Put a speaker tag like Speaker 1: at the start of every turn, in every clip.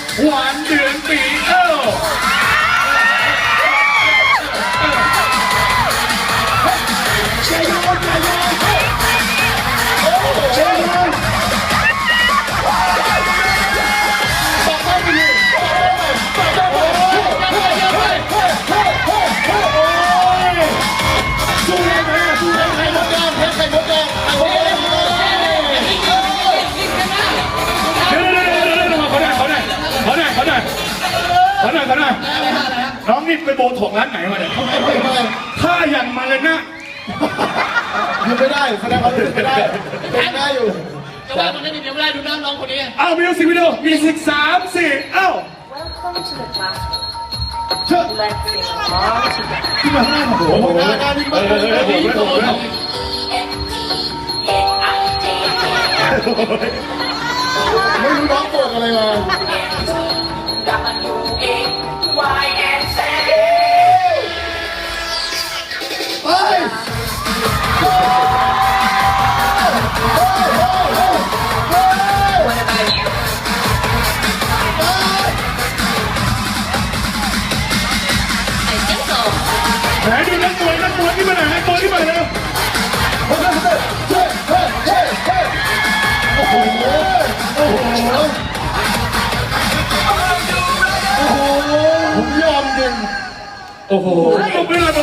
Speaker 1: หวานเดือนปี
Speaker 2: เชียร์ยูนเชียร์ยูนเชียร์ยูนบอกได้ไปเลยบอกได้ไปสู้ได้ไหมสู้ได้ไหมหมดแดงใครหมดแดงหมดแดง
Speaker 1: น้องนี่ไปโบถงร้านไหนมาเนี่ยถ้าอย่างมาเลยนะ
Speaker 2: อยู่ไม่ได้แสดงว่าอยู่ไม่ได้เป็นได้อยู่
Speaker 3: จะว่ามันได้ดีเดี๋ยวไม่ได้ดูน้องคนนี้
Speaker 1: เอามิวสิกวิดีโอมี3 4เอ้า
Speaker 4: Welcome to the classroom.
Speaker 2: เชื่อ
Speaker 4: Let's sing along together.
Speaker 2: ที่มาข้างหน้าโอ้โหหน้านี่มันดีโตไม่รู้น้องโกรธอะไรมาเฮ้ย
Speaker 1: ไหนดูนักมวยที่มาไหนนักมวยที่มาแล้ว
Speaker 2: โอ้โหโอ้โหผมยอมจริง
Speaker 1: โอ้โหผมไม่เลย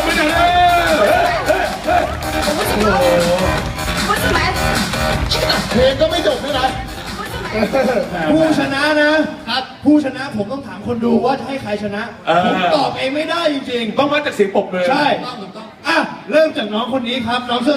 Speaker 2: เพลงก็ไม่จบด้วยนะผู้ชนะนะครับผู้ชนะผมต้องถามคนดูว่าจะให้ใครชนะผมตอบเองไม่ได้จริงๆ
Speaker 1: ต้องมาจากเสียงปรบมือ
Speaker 2: ใช่อ่ะเริ่มจากน้องคนนี้ครับน้องเสื้อ